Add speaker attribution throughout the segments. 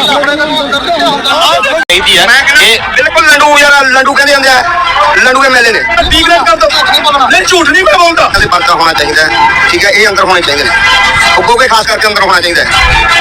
Speaker 1: बिल्कुल लंडू यार, लंडू कहते हैं लंडू एमएलए ने डीग्रेड कर दो। नहीं झूठ नहीं मैं बोलता। पर्चा होना चाहिए, ठीक है, ये अंदर होने चाहिए, उगो के खास करके अंदर होना चाहिए।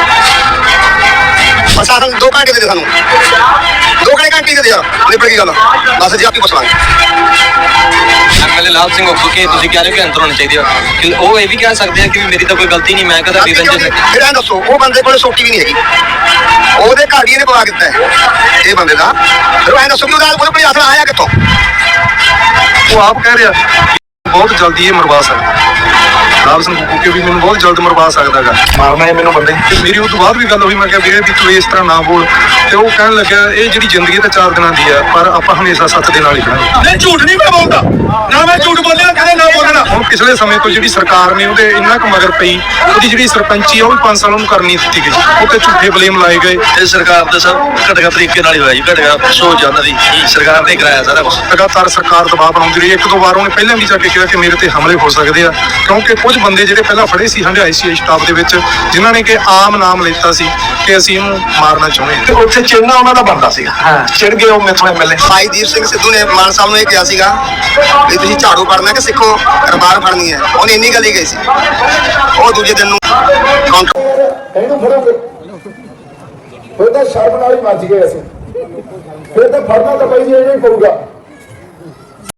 Speaker 1: प्रशासन 2 घंटे दे सानू, 2 घंटे दे यार, निपट गई गल। बस जी आपकी पुछलांगे
Speaker 2: एमएलए लाल सिंह उगो के ਤੁਸੀਂ ਕਹਿ ਰਹੇ ਹੋ ਕਿ ਅੰਦਰ ਹੋਣੇ ਚਾਹੀਦੇ ਆ, ਕਿ ਉਹ ਇਹ ਵੀ ਕਹਿ ਸਕਦੇ ਆ ਕਿ ਮੇਰੀ ਤਾਂ ਕੋਈ ਗਲਤੀ ਨਹੀਂ, ਮੈਂ ਕਦਾ ਨਿਰੰਜਨ।
Speaker 1: ਫਿਰ ਐਂ ਦੱਸੋ, ਉਹ ਬੰਦੇ ਕੋਲ ਸੋਟੀ ਵੀ ਨਹੀਂ ਹੈਗੀ, ਉਹਦੇ ਘਰ ਹੀ ਇਹਨੇ ਪਵਾ ਦਿੱਤਾ ਇਹ ਬੰਦੇ ਦਾ। ਫਿਰ ਐਂ ਦੱਸੋ ਕਿ ਉਹਦਾ ਕੋਈ ਆਸਰਾ ਆਇਆ ਕਿੱਥੋਂ?
Speaker 3: ਉਹ ਆਪ ਕਹਿ ਰਿਹਾ ਬਹੁਤ ਜਲਦੀ ਇਹ ਮਰਵਾ ਸਕਦਾ ਲਾਭ ਸਿੰਘ ਕੁੱਕੇ ਵੀ ਮੈਨੂੰ ਬਹੁਤ ਜਲਦ ਮਰਵਾ ਸਕਦਾ ਹੈਗਾ, ਮਾਰਨਾ ਹੈ ਮੈਨੂੰ ਬੰਦੇ। ਤੇ ਮੇਰੀ ਉਹ ਤੋਂ ਬਾਅਦ ਵੀ ਗੱਲ ਹੋਈ, ਮੈਂ ਕਿਹਾ ਵੀਰੇ ਵੀ ਤੂੰ ਇਸ ਤਰ੍ਹਾਂ ਨਾ ਬੋਲ, ਤੇ ਉਹ ਕਹਿਣ ਲੱਗਿਆ ਇਹ ਜਿਹੜੀ ਜ਼ਿੰਦਗੀ ਤਾਂ 4 ਦਿਨਾਂ ਦੀ ਆ, ਪਰ ਆਪਾਂ ਹਮੇਸ਼ਾ ਸੱਚ ਦੇ ਨਾਲ ਹੀ ਖੜਾਂਗੇ।
Speaker 1: ਨਹੀਂ ਝੂਠ ਨਹੀਂ ਮੈਂ ਬੋਲਦਾ, ਨਾ ਮੈਂ ਝੂਠ ਬੋਲਿਆ ਕਦੇ ਨਾ ਬੋਲਣਾ।
Speaker 3: ਹੁਣ ਪਿਛਲੇ ਸਮੇਂ ਤੋਂ ਜਿਹੜੀ ਸਰਕਾਰ ਨੇ ਉਹਦੇ ਇੰਨਾ ਕੁ ਮਗਰ ਪਈ, ਉਹਦੀ ਜਿਹੜੀ ਸਰਪੰਚੀ ਆ ਉਹ ਵੀ 5 ਸਾਲਾਂ ਨੂੰ ਕਰਨੀ ਦਿੱਤੀ ਗਈ, ਉੱਤੇ ਝੂਠੇ ਬਲੇਮ ਲਾਏ ਗਏ।
Speaker 2: ਇਹ ਸਰਕਾਰ ਦੇ ਸਭ ਘਟਗਾ ਤਰੀਕੇ ਨਾਲ ਹੀ ਹੋਇਆ ਜੀ, ਘਟਗਾ ਸੋਚ ਉਹਨਾਂ ਦੀ ਸਰਕਾਰ ਨੇ ਕਰਾਇਆ ਸਾਰਾ ਕੁਝ।
Speaker 3: ਲਗਾਤਾਰ ਸਰਕਾਰ ਦਬਾਅ ਬਣਾਉਂਦੀ ਰਹੀ, 1-2 ਵਾਰ ਉਹਨੇ ਪਹਿਲਾਂ ਵੀ ਜਾ ਕੇ ਕਿਹਾ ਕਿ ਮੇਰੇ ਤੇ ਹਮਲੇ ਹੋ ਸਕਦੇ ਆ, ਕਿਉਂਕਿ ਕੁਝ ਬੰਦੇ ਜਿਹੜੇ ਪਹਿਲਾਂ ਫੜੇ ਸੀ ਹੰਡਾਈ ਸੀ ਸਟਾਫ ਦੇ ਵਿੱਚ, ਜਿਨ੍ਹਾਂ ਨੇ ਕਿ ਆਮ ਨਾਮ ਲਿੱਤਾ ਸੀ ਕਿ ਅਸੀਂ ਇਹਨੂੰ ਮਾਰਨਾ ਚਾਹੁੰਦੇ ਹਾਂ, ਤੇ ਉੱਥੇ ਚਿੰਨਾ ਉਹਨਾਂ ਦਾ ਬਣਦਾ ਸੀਗਾ। ਚਿੜ ਗਏ ਉਹ ਮੇਥੋਂ ਐਮਐਲਏ
Speaker 1: ਭਾਈਦੀਪ ਸਿੰਘ ਸਿੱਧੂ ਨੇ ਮਾਨ ਸਾਹਿਬ ਨੂੰ ਇਹ ਕਿਹਾ ਸੀਗਾ ਵੀ ਤੁਸੀਂ ਝਾੜੂ ਫੜਨਾ ਕਿ ਸਿੱਖੋ ਰਬਾਰ ਫੜਨੀ ਹੈ, ਉਹਨੇ ਇੰਨੀ ਗੱਲ ਹੀ ਕਹੀ ਸੀ। ਉਹ ਦੂਜੇ ਦਿਨ ਨੂੰ
Speaker 4: ਇਹਨੂੰ ਫੜੋਗੇ ਫਿਰ ਤਾਂ ਸ਼ਰਮ ਨਾਲ ਹੀ ਮੱਚ ਗਏ ਅਸੀਂ, ਫਿਰ ਤਾਂ ਫੜਨਾ ਤਾਂ ਬਾਈ ਜੀ ਇਹ ਨਹੀਂ ਪਊਗਾ।